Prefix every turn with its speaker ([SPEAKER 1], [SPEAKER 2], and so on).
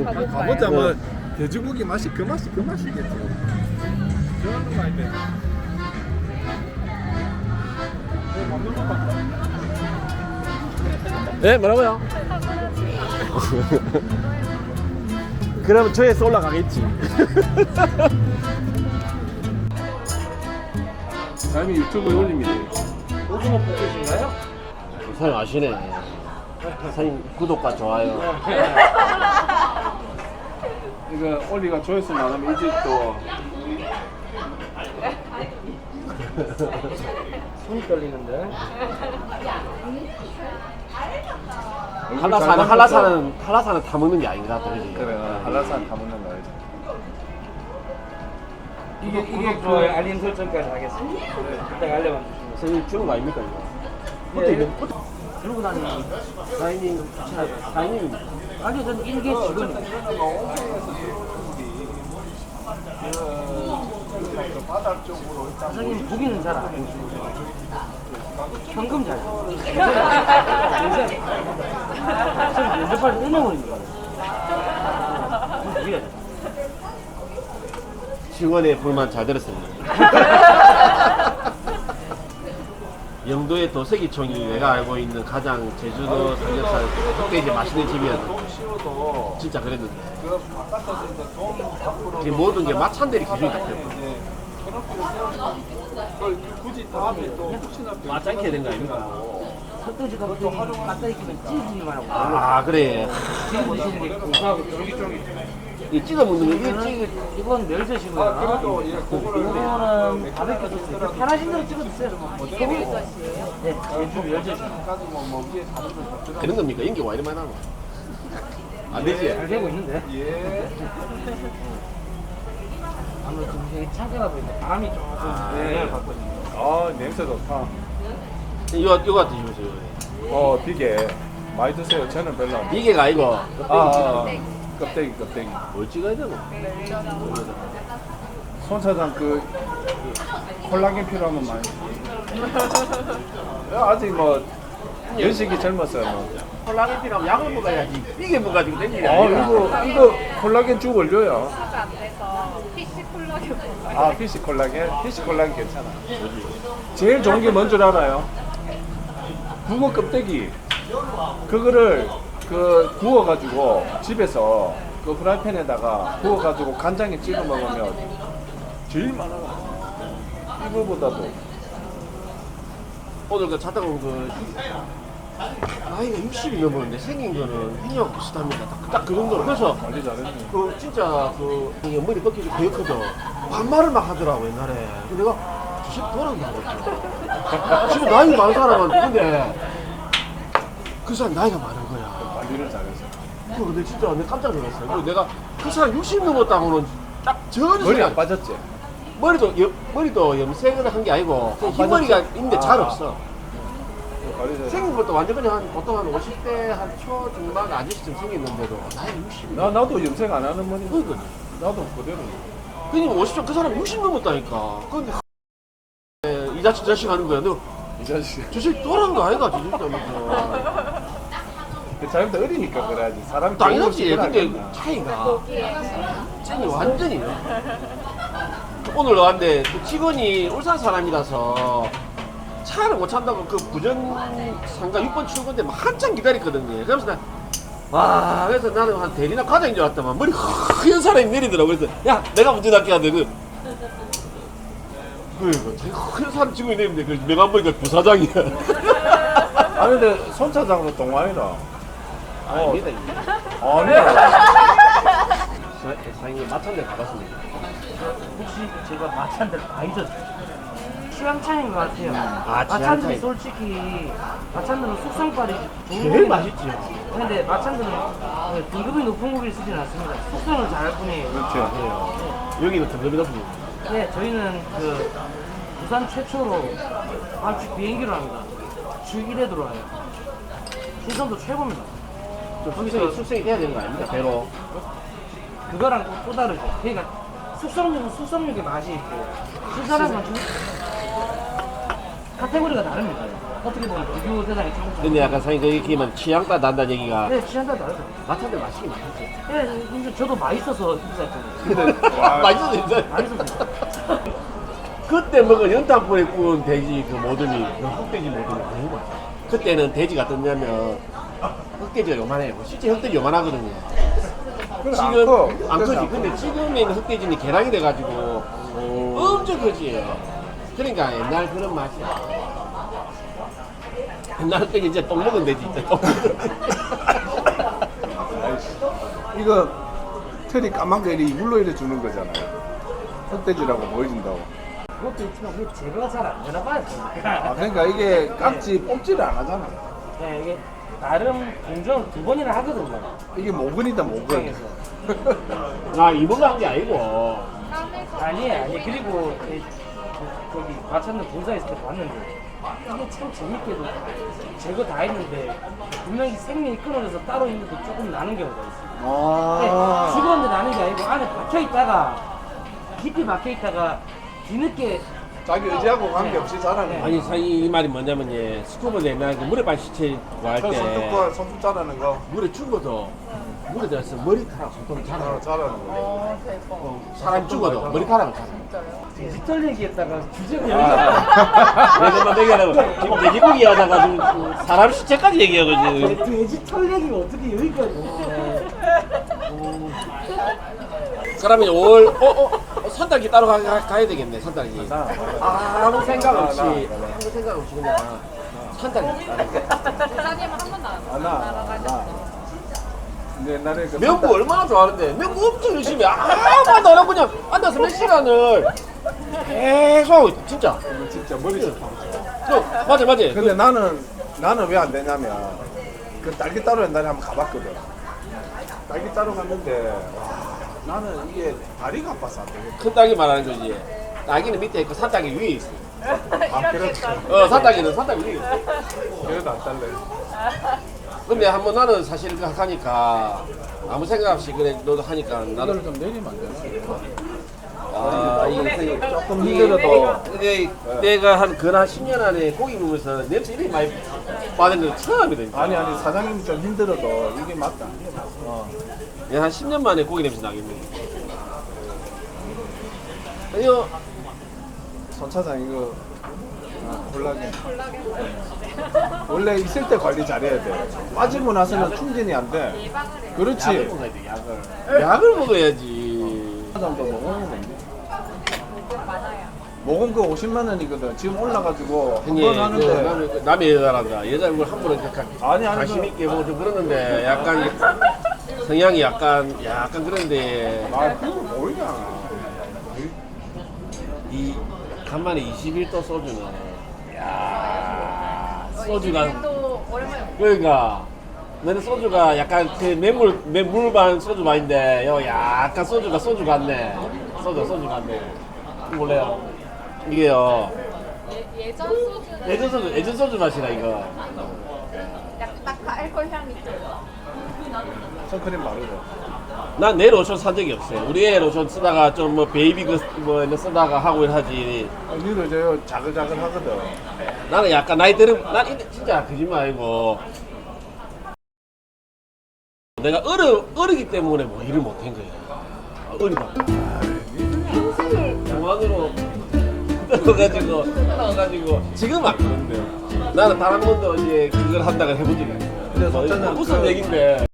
[SPEAKER 1] 가보자. 뭐 돼지고기 맛이 그 맛이겠지. 저런 거 아닌데. 먹는 거 봐.
[SPEAKER 2] 네, 뭐라고요? 그러면 저에서 올라가겠지.
[SPEAKER 1] 다음에 유튜브에 올립니다.
[SPEAKER 3] 오징어 볶으신가요?
[SPEAKER 2] 사장님 아시네. 사장님 구독과 좋아요.
[SPEAKER 1] 이거 올리가 조회수 많으면 이 집도
[SPEAKER 3] 손이 떨리는데.
[SPEAKER 2] 한라산은 다 먹는 게 아닌가 또 그지?
[SPEAKER 1] 그래 한라산 다 먹는 거 알지.
[SPEAKER 3] 구독, 좋아요, 알림 설정까지 하겠습니다. 그때 알려만 주시면.
[SPEAKER 2] 선생님 주는 거 아닙니까 이거?
[SPEAKER 3] 예.
[SPEAKER 2] 그때
[SPEAKER 3] 들고 다니는
[SPEAKER 2] 사장님 사장님
[SPEAKER 3] 아니 저는 일개 직원입니다.
[SPEAKER 1] 바다 쪽으로
[SPEAKER 3] 사장님 고기는 잘 안 드시고 현금 잘 저는 면접할 때 1명원입니다.
[SPEAKER 2] 직원의 불만 잘 들었습니다. 영도의 도색이총이 내가 알고 있는 가장 제주도 삼겹살 흑돼지 맛있는 집이었는데 진짜 그랬는데 이제 모든 게 마찬가지 기준이 바뀌었고
[SPEAKER 1] 굳이 다음에 또 혹시나
[SPEAKER 2] 맞짱게 된 거 아닙니까?
[SPEAKER 3] 흑돼지 가격이 갖다 익히면 찌지기만 하고
[SPEAKER 2] 아 그래
[SPEAKER 3] 지금 드시는 게 고소하고 쫄깃쫄깃.
[SPEAKER 2] 이 찍어 먹는 거
[SPEAKER 3] 이건 멸젓이고요. 이거는 바베큐 소스. 편하신 대로 찍어 드세요. 네, 제주 멸젓입니다.
[SPEAKER 2] 되는 겁니까? 연기 와 이리 많이 나노? 안 되지?
[SPEAKER 3] 잘 되고 있는데.
[SPEAKER 1] 예.
[SPEAKER 3] 아무래도 좀 되게 차가워 보이는데 밤이 조금 영향을 받거든요.
[SPEAKER 1] 아 냄새 좋다.
[SPEAKER 2] 이거 드셔보세요.
[SPEAKER 1] 비계 많이 드세요. 저는 별로 안.
[SPEAKER 2] 이게가 아니고
[SPEAKER 1] 껍데기.
[SPEAKER 2] 뭘 찍어야 되노?
[SPEAKER 1] 손 사장 콜라겐 필요하면 많이. 아직 뭐 연식이 젊었어요. 뭐.
[SPEAKER 2] 콜라겐 필요하면 약을 먹어야지. 이게 뭐가지고 땡기냐?
[SPEAKER 1] 이거 콜라겐 쭉 올려요.
[SPEAKER 4] 안 돼서 PC 콜라겐
[SPEAKER 1] 피시 콜라겐 괜찮아. 제일 좋은 게 뭔 줄 알아요? 붕어 껍데기. 그거를 구워가지고 집에서 그 프라이팬에다가 구워가지고 간장에 찍어 먹으면 제일 많아. 이거보다도.
[SPEAKER 2] 오늘 그 차 타고 온 나이가 60이 넘었는데 생긴 거는 현역 비슷합니다. 딱 그 정도로. 그래서
[SPEAKER 1] 관리 잘했네.
[SPEAKER 2] 진짜 이게 머리 꺾이고 거였거든. 반말을 막 하더라고 옛날에. 근데 내가 주식 돌아온다고 했죠. 지금 나이 많은 사람은 근데 그 사람 나이가 많은 거야.
[SPEAKER 1] 관리를 잘해서.
[SPEAKER 2] 근데 진짜 내가 깜짝 놀랐어요. 그리고 내가 그 사람 60 넘었다고는 딱 전혀
[SPEAKER 1] 머리 안 빠졌지?
[SPEAKER 2] 머리도 염색을 한 게 아니고 흰머리가 있는데 잘 없어.
[SPEAKER 1] 관리 잘.
[SPEAKER 2] 생긴 것도 완전 그냥 보통 한 50대 한 초중반 아저씨쯤 생겼는데도 나이 60.
[SPEAKER 1] 나도 염색 안 하는 머리.
[SPEAKER 2] 그러니까
[SPEAKER 1] 나도 그대로.
[SPEAKER 2] 그냥 50점 그 사람 60 넘었다니까. 근데 이 자식 하는 거야. 너
[SPEAKER 1] 이 자식.
[SPEAKER 2] 저식 또란 거 아이가 저짓다면서.
[SPEAKER 1] 자기보다 어리니까 그래야지. 사람이
[SPEAKER 2] 당연하지.
[SPEAKER 1] 좋은 걸
[SPEAKER 2] 근데
[SPEAKER 1] 알겠나.
[SPEAKER 2] 차이가 쟤는 완전히. 오늘 왔는데 그 직원이 울산 사람이라서 차를 못 찬다고 그 부전 상가 6번 출근데 막 한참 기다렸거든요. 그래서 그래서 나는 한 대리나 과장인 줄 알았더만 머리 하얀 사람이 내리더라고. 그래서 야 내가 운전할게 하는데 되게 하얀 사람 직원이 내리는데 그 내가 한 보니까 부사장이야.
[SPEAKER 1] 아니 근데 손 차장도 동안이다.
[SPEAKER 2] 아닙니다.
[SPEAKER 1] 아니야.
[SPEAKER 2] 사장님 마찬가지 가봤습니다.
[SPEAKER 3] 혹시 제가 마찬가지를 많이 줬어요. 취향 차이인 것 같아요.
[SPEAKER 2] 취향 차이.
[SPEAKER 3] 마찬가지 솔직히 마찬가지는 숙성빨이 좋은
[SPEAKER 2] 제일
[SPEAKER 3] 고기
[SPEAKER 2] 맛있지요.
[SPEAKER 3] 근데 마찬가지는 등급이 높은 고기를 쓰진 않습니다. 숙성을 잘할 뿐이에요.
[SPEAKER 1] 그렇죠.
[SPEAKER 2] 여기는 등급이 높습니다.
[SPEAKER 3] 네, 저희는 부산 최초로 밤주 비행기로 합니다. 주 1회 들어와요. 신선도 최고입니다.
[SPEAKER 2] 숙성이 돼야 되는 거 아닙니까? 배로.
[SPEAKER 3] 그거랑 또 다르죠. 그러니까 숙성육은 숙성육의 맛이 있고 신선한 건 카테고리가 다릅니다. 어떻게 보면 비교 대상이 조금.
[SPEAKER 2] 근데 약간 사장님 그 얘기면 취향 따라 난다는 얘기가
[SPEAKER 3] 네, 취향 따라 다르죠.
[SPEAKER 2] 마찬가지로 맛있긴 맛있지.
[SPEAKER 3] 네, 근데 저도 맛있어서 인사했거든요.
[SPEAKER 2] 맛있어서 진짜.
[SPEAKER 3] 맛있었어요.
[SPEAKER 2] 그때 먹은 연탄불에 구운 돼지 그 모듬이 그 흑돼지 모듬이 너무 맛있어. 그때는 돼지가 어떠냐면 흑돼지가 요만해요. 실제 흑돼지 요만하거든요.
[SPEAKER 1] 그래,
[SPEAKER 2] 지금 안 크지.
[SPEAKER 1] 안 커.
[SPEAKER 2] 근데 지금에는 흑돼지는 개량이 돼가지고 엄청 크지. 그러니까 옛날 그런 맛이야. 옛날 흑돼지 이제 똥 먹은 돼지 있죠. 똥 먹은 돼지.
[SPEAKER 1] 이거 털이 까맣게 이렇게 물로 이래 주는 거잖아요. 흑돼지라고 보여준다고.
[SPEAKER 3] 그것도 있지만 그게 제거가 잘 안 되나 봐요.
[SPEAKER 1] 아, 그러니까 이게 깍지 뽑지를 안 하잖아.
[SPEAKER 3] 네, 이게 나름 공정을 2번이나 하거든요.
[SPEAKER 1] 이게 모근이다, 모근.
[SPEAKER 3] 입장에서.
[SPEAKER 2] 아 이번가 한 게 아니고.
[SPEAKER 3] 아니 그리고 저기 마찬가지 본사 있을 때 봤는데 이게 참 재밌게도 제거 다 했는데 분명히 생명이 끊어져서 따로 있는데 조금 나는 경우가 있어요. 네,
[SPEAKER 1] 아.
[SPEAKER 3] 죽었는데 나는 게 아니고 안에 박혀 있다가 깊이 박혀 있다가 뒤늦게
[SPEAKER 1] 자기 의지하고 관계없이 자라는 거.
[SPEAKER 2] 아니 사이 이 말이 뭐냐면 예 스쿠버 옛날 그 물에 빠진 시체 구할
[SPEAKER 1] 그
[SPEAKER 2] 때
[SPEAKER 1] 손톱 자라는 거.
[SPEAKER 2] 물에 죽어도 물에 들어서 머리카락 손톱을 자라.
[SPEAKER 1] 자라는 거.
[SPEAKER 4] 대박.
[SPEAKER 2] 사람 죽어도 머리카락을 자라.
[SPEAKER 4] 진짜요?
[SPEAKER 3] 디지털 얘기했다가 주제가
[SPEAKER 2] 내가 얘기하라고 지금 돼지고기 하다가 지금 사람 시체까지 얘기하고 지금.
[SPEAKER 3] 디지털 얘기가 어떻게 여기까지
[SPEAKER 2] 그러면 5월 산딸기 따로 가야 되겠네 산딸기. 아무 생각 없이 아무 생각 없이 그냥 산딸기.
[SPEAKER 4] 사장님은 한 번도 안 날아가셨어요.
[SPEAKER 1] 근데 옛날에 그
[SPEAKER 2] 명구 얼마나 좋아하는데 명구 엄청 열심히 아무도 안 하고 그냥 앉아서 몇 시간을 계속 하고 있다 진짜.
[SPEAKER 1] 이거 진짜 머리
[SPEAKER 2] 맞아.
[SPEAKER 1] 근데 나는 왜 안 되냐면 그 딸기 따로 옛날에 한번 가봤거든. 딸기 따로 갔는데 와, 나는 이게 다리가 아파서 안 되겠다.
[SPEAKER 2] 큰 딸기 말하는 거지. 딸기는 밑에 있고 산딸기 위에 있어.
[SPEAKER 1] 아, 그렇지.
[SPEAKER 2] 산딸기는 산딸기 위에 있어.
[SPEAKER 1] 그래도 안 딸래.
[SPEAKER 2] 근데 한번 나는 사실 그 하니까 아무 생각 없이 그래 너도 하니까 나는
[SPEAKER 1] 이걸 좀 내리면 안 되나?
[SPEAKER 2] 이게
[SPEAKER 1] 조금 힘들어도
[SPEAKER 2] 근데 내가 한 근한 10년 안에 고기 먹으면서 냄새 이렇게 많이 받은 건 처음이다.
[SPEAKER 1] 아니 사장님이 좀 힘들어도 이게 맞다.
[SPEAKER 2] 내가 한 10년 만에 고기 냄새 나겠네. 아니요.
[SPEAKER 1] 손 차장 이거 콜라겐. 원래 있을 때 관리 잘해야 돼. 빠지고 나서는 충전이 안 돼.
[SPEAKER 2] 약을
[SPEAKER 1] 그렇지.
[SPEAKER 2] 먹어야 돼. 약을 먹어야지.
[SPEAKER 1] 정도 먹으면 돼. 먹은 거 50만 원이거든. 지금 올라가지고 한 번 하는데.
[SPEAKER 2] 남의 여자란다. 여자 얼굴 함부로 이렇게
[SPEAKER 1] 아니,
[SPEAKER 2] 관심 있게 뭐 좀 그러는데 약간 성향이 약간 그런데
[SPEAKER 1] 아, 그거 모르잖아.
[SPEAKER 2] 이 간만에 21도 소주는 야 소주가
[SPEAKER 4] 또 오랜만에
[SPEAKER 2] 그러니까 너는 소주가 약간 그 매물반 소주 맛인데 요 약간 소주가 소주 같네. 소주 같네. 몰래요. 이게요.
[SPEAKER 4] 예전 소주는
[SPEAKER 2] 예전 소주 맛이라 이거.
[SPEAKER 4] 약간 딱 알코올 향이 있어요.
[SPEAKER 1] 선크림 바르죠.
[SPEAKER 2] 난 내 로션 산 적이 없어요. 우리 애 로션 쓰다가 좀 뭐 베이비 뭐 쓰다가 하고 하지.
[SPEAKER 1] 니를 저 자글자글 하거든.
[SPEAKER 2] 나는 약간 나이 들은 난 진짜 거짓말 아니고 내가 어리기 때문에 뭐 일을 못한 거야. 어리다. 평생을 장관으로 떠나가지고 지금 안 그런데 나는 단 한 번도 이제 그걸 한다고 해본 적이 없어요.
[SPEAKER 1] 근데 손자는
[SPEAKER 2] 무슨
[SPEAKER 1] 그-
[SPEAKER 2] 얘긴데.